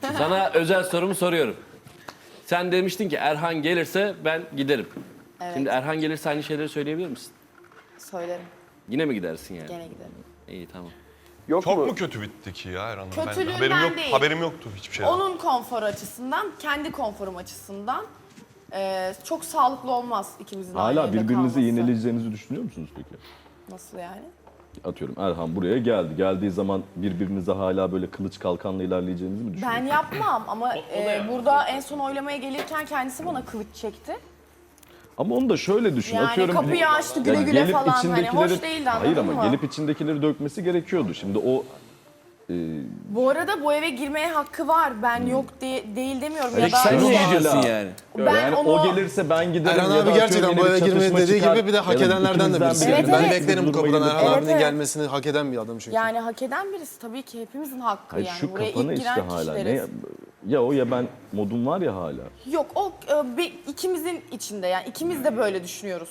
Sana özel sorumu soruyorum. Sen demiştin ki Erhan gelirse ben giderim. Evet. Şimdi Erhan gelirse aynı şeyleri söyleyebilir misin? Söylerim. Yine mi gidersin yani? Gene giderim. İyi tamam. Yok Çok mu? mu kötü bitti ki ya Erhan'ın? Kötülüğünden değil. Haberim yoktu hiçbir şeyden. Onun konforu açısından, kendi konforum açısından çok sağlıklı olmaz ikimizin aynı Hala evde birbirinizi kalması. iğneleyeceğinizi düşünüyor musunuz peki? Nasıl yani? Atıyorum Erhan buraya geldi. Geldiği zaman birbirinize hala böyle kılıç kalkanla ilerleyeceğinizi mi düşünüyorsunuz? Ben yapmam ama burada en son oylamaya gelirken kendisi bana kılıç çekti. Ama onu da şöyle düşün. Yani Atıyorum, kapıyı açtı güle ya güle gelip falan, hani içindekileri- hoş değildi, anladın Hayır ama mı? gelip içindekileri dökmesi gerekiyordu. Şimdi o Bu arada bu eve girmeye hakkı var. Ben yok değil demiyorum. Peki da sen niye işte- gidiyorsun yani? Ben yani onu... o gelirse ben giderim. Erhan ya abi da gerçekten atıyorum bu yine eve bir girmeye çatışma dediği çıkar. gibi bir de hak Ya da edenlerden de ikinizden birisi. biri Evet, Ben evet. beklerim bu duruma kapıdan gelip- Erhan Evet, abinin evet. gelmesini hak eden bir adam çünkü. Yani hak eden birisi tabii ki hepimizin hakkı Hayır, yani. şu Buraya kafanı ilk işte giren hala. Ne, kişileriz. ya o ya ben modum var ya hala. Yok o ikimizin içinde yani ikimiz de böyle düşünüyoruz.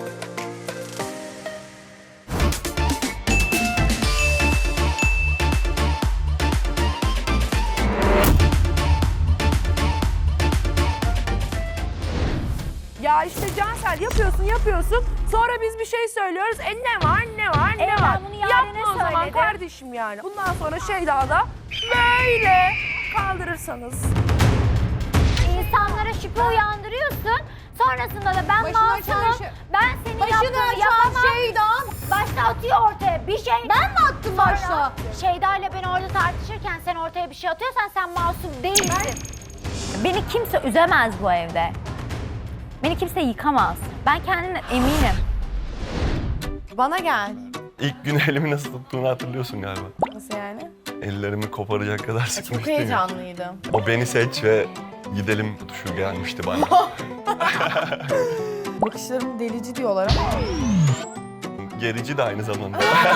Ya işte Cansel yapıyorsun. Sonra biz bir şey söylüyoruz. Ne var? Ben bunu Yaren'e Yapma o zaman söyledim. kardeşim yani. Bundan sonra Şeyda'da böyle kaldırırsanız. İnsanlara şüphe uyandırıyorsun. Sonrasında da ben masumum, ben senin yaptığını yapamam. Başta atıyor ortaya bir şey. Ben mi attım başta? Şeyda ile beni orada tartışırken sen ortaya bir şey atıyorsan sen masum değilsin. Beni kimse üzemez bu evde. Beni kimse yıkamaz. Ben kendimden eminim. Bana gel. İlk gün elimi nasıl tuttuğunu hatırlıyorsun galiba. Nasıl yani? Ellerimi koparacak kadar Çok sıkmıştım ya. heyecanlıydım. O beni seç ve gidelim tuşu gelmişti bana. Bakışlarım delici diyorlar ama. Gerici de aynı zamanda.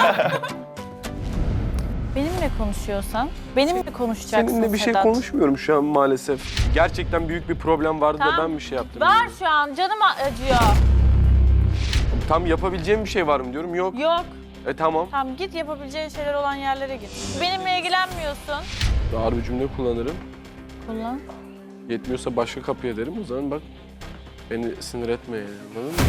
Benimle konuşuyorsan, benimle konuşacaksın Seninle bir şey Sedat. konuşmuyorum şu an maalesef. Gerçekten büyük bir problem vardı da Tamam. ben bir şey yaptım. Var şu an, canım acıyor. Tam yapabileceğim bir şey var mı diyorum. Yok. Yok. Tamam. Tamam git, yapabileceğin şeyler olan yerlere git. Benimle ilgilenmiyorsun. Ağır bir cümle kullanırım. Kullan. Yetmiyorsa başka kapıya derim. O zaman bak beni sinir etme yani, anladın mı?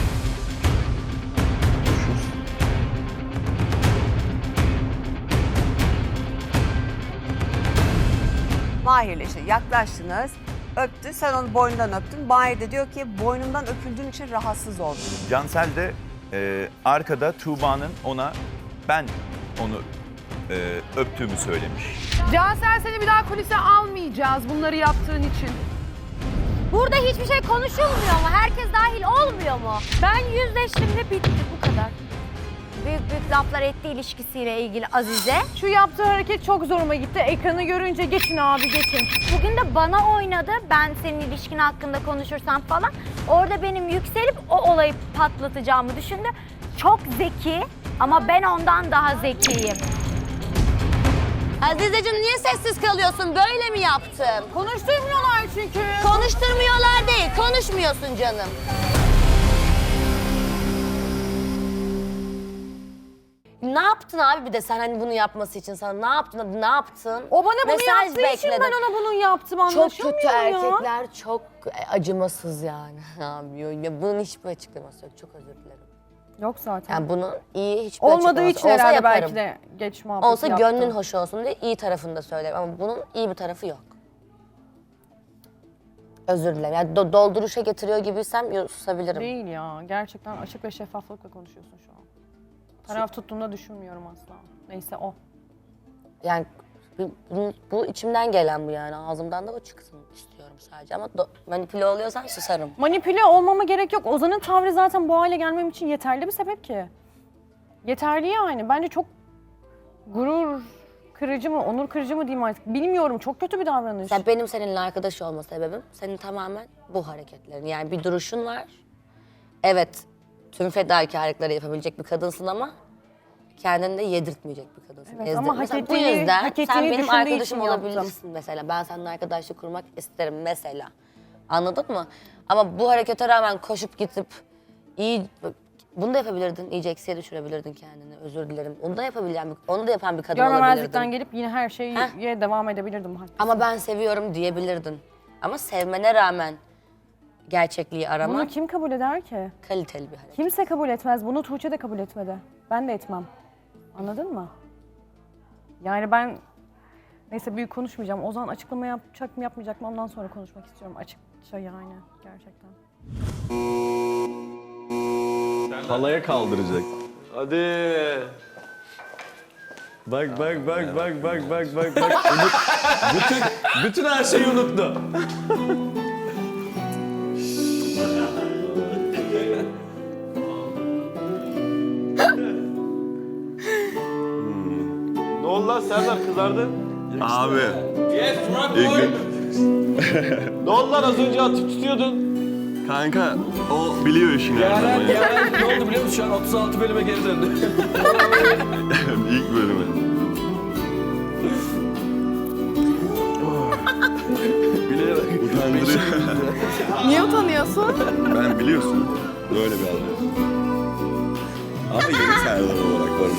Mahir'le işte yaklaştınız, öptü, sen onu boynundan öptün. Mahir de diyor ki boynumdan öpüldüğün için rahatsız oldum. Cansel de arkada Tuğba'nın ona ben onu öptüğümü söylemiş. Cansel seni bir daha kulise almayacağız bunları yaptığın için. Burada hiçbir şey konuşulmuyor mu? Herkes dahil olmuyor mu? Ben yüzleştim ve bitti bu kadar. Büyük laflar etti ilişkisiyle ilgili Azize. Şu yaptığı hareket çok zoruma gitti. Ekranı görünce geçin abi geçin. Bugün de bana oynadı. Ben senin ilişkin hakkında konuşursam falan. Orada benim yükselip o olayı patlatacağımı düşündü. Çok zeki ama ben ondan daha zekiyim. Azizeciğim niye sessiz kalıyorsun? Böyle mi yaptım? Konuşturmuyorlar çünkü. Konuşturmuyorlar değil, konuşmuyorsun canım. Ne yaptın abi bir de sen hani bunu yapması için sana ne yaptın? Ne yaptın? O bana bunu Mesaj yaptığı için ben bekledim. ona bunu yaptım, Çok anlaşılmıyor kötü ya. erkekler, çok acımasız yani. Abi ya bunun hiçbir açıklaması yok. Çok özür dilerim. Yok zaten. Yani bunun iyi hiçbir Olmadığı açıklaması için olsa herhalde yaparım. belki de geç muhabbeti Olsa yaptım. gönlün hoş olsun diye iyi tarafını da söylerim ama bunun iyi bir tarafı yok. Özür dilerim. Yani dolduruşa getiriyor gibiysem susabilirim. Değil ya. Gerçekten açık ve şeffaflıkla konuşuyorsun şu an. Taraf tuttuğunu düşünmüyorum asla. Neyse o. Yani bu içimden gelen bu yani. Ağzımdan da o çıksın istiyorum sadece ama manipüle oluyorsan susarım. Manipüle olmama gerek yok. Ozan'ın tavrı zaten bu hale gelmem için yeterli bir sebep ki. Yeterli yani. Bence çok gurur kırıcı mı, onur kırıcı mı diyeyim artık. Bilmiyorum. Çok kötü bir davranış. Mesela benim seninle arkadaş olma sebebim senin tamamen bu hareketlerin. Yani bir duruşun var. Evet, tüm fedakarlıkları yapabilecek bir kadınsın ama kendini de yedirtmeyecek bir kadınsın. Evet, ama Mesela hak bu ettiğini- yüzden hak ettiğini sen benim düşündüğü arkadaşım için yaptım. olabilirsin mesela. Ben seninle arkadaşlık kurmak isterim mesela. Anladın mı? Ama bu harekete rağmen koşup gidip iyi Bunu da yapabilirdin. İyice eksiye düşürebilirdin kendini. Özür dilerim. Onu da onu da yapan bir kadın Görmemezlikten olabilirdin. gelip yine her şeye devam edebilirdim. Haklısın. Ama ben seviyorum diyebilirdin. Ama sevmene rağmen gerçekliği Bunu aramak kim kabul eder ki? kaliteli bir hareket. Kimse kabul etmez. Bunu Tuğçe de kabul etmedi. Ben de etmem. Anladın mı? Yani ben... Neyse büyük konuşmayacağım. Ozan açıklama yapacak mı yapmayacak mı ondan sonra konuşmak istiyorum. Açıkça yani gerçekten. Halaya kaldıracak. Hadi. Bak. bütün her şeyi unuttu. Ne oldu lan Serdar, kızardın? Abi. İlk gün. Ne oldu lan, az önce atıp tutuyordun? Kanka o biliyor işini her zaman ya. Yaren ne oldu biliyor musun? Şu an 36 bölüme geri döndü. İlk bölümü. Bilerek utandırıyor. Niye utanıyorsun? Ben biliyorsun böyle bir adam. Ama yeni Serdar olarak varım.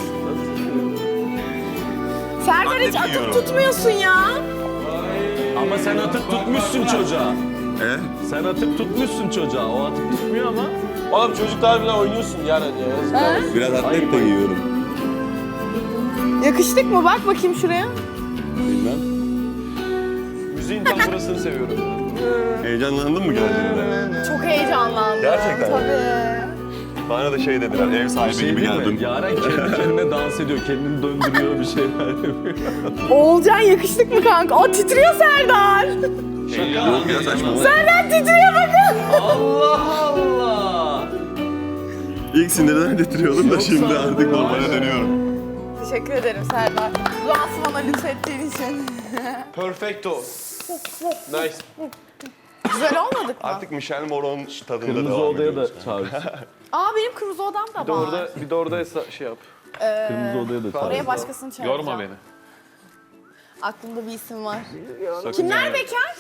Serdar hiç atıp tutmuyorsun ya. Ama sen atıp tutmuşsun çocuğa. E? Sen atıp tutmuşsun çocuğa. O atıp tutmuyor ama. Oğlum çocuklar bile oynuyorsun Yaren ya. Biraz atlet de giyiyorum. Yakıştık mı? Bak bakayım şuraya. Bilmem. Müziğin tam burasını seviyorum. Heyecanlandın mı geldiğinde? Çok heyecanlandım. Gerçekten mi? Tabii. Bana da şey dediler, ev sahibi Şey gibi değil mi? geldin. Yaren kendi kendine dans ediyor. Kendini döndürüyor bir şeyler yapıyor. Oğulcan yakıştık mı kanka? O titriyor Serdar. Yok ya saçma. Serdar titriyor bakın. Allah Allah. İlk sinirden getiriyordum da şimdi artık normale dönüyorum. Teşekkür ederim Serdar. Duası bana lütfettiğin için. Perfecto. Nice. Güzel olmadık mı? Artık Michel Moron tadında Kırmızı devam odaya ediyoruz. da çağır. Benim kırmızı odam da var. Bir de orada şey yap. Kırmızı odaya da çağır. Oraya başkasını çağıracağım. Yorma beni. Aklımda bir isim var. Kimler bekar?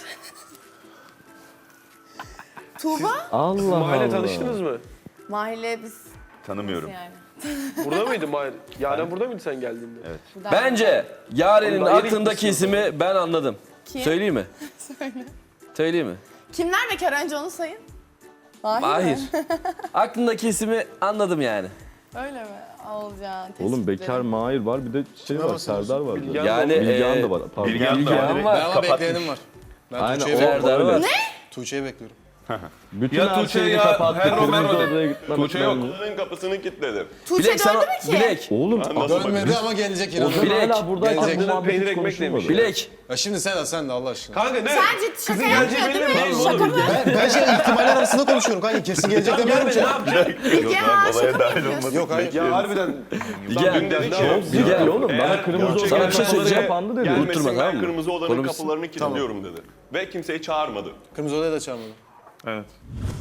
Tuğba? Allah Mahalle tanıştınız mı? Mahalle biz Tanımıyorum. yani. Burada mıydı Mahalle? Yaren burada mıydı sen geldiğinde? Evet. Bence Yaren'in Oğlum, daha yeni aklındaki ismi ben anladım. Kim? Söyleyeyim mi? Söyle. Söyleyeyim mi? Kimler bekar önce onu sayın. Mahir. Aklındaki ismi anladım yani. Öyle mi? Olcan. Oğlum bekar Mahir var bir de şey var Serdar var. Yani Bilgehan da var. Pardon. Bilgehan var. Ama bekleyenim var. Ben Aynen Tuğçe'yi o Serdar var. öyle. Tuğçe'yi bekliyorum. Bütün Ya her Tuğçe şeyini ya, kapattı. Herro Kırmızı Merro dedi. odaya gitmem. Tuğçe yok. Kızın kapısını kilitledim. Tuğçe Bilek sana... döndü mü ki? Bilek. Oğlum Nasıl Dönmedi bakıyorsun? ama gelecek yine. Ozan Bilek. hala buradayken Gelecek. bu muhabbet Peynir hiç ekmek konuşulmadı. demiş. Bilek. Ya şimdi sen de Allah aşkına. Kanka ne? Sen şaka yapmıyor değil mi? Şaka mı? Ben şey ihtimaller arasında konuşuyorum kanka. Kesin gelecek demiyorum ki. Ne yapacak? Bilge ha Olaya şaka mı dahil yapıyorsun? olmadı. Yok hayır. Ya harbiden. Bilgehan. Dün dedi ki. Bilgehan oğlum bana kırmızı Sana odaya bir şey söyleyeceğim. kapandı dedi. Unutturma, Gelmesin tamam ben mı? kırmızı odanın Konu biz- kapılarını kilitliyorum dedi. Ve kimseyi çağırmadı. Kırmızı odaya da çağırmadım. Evet.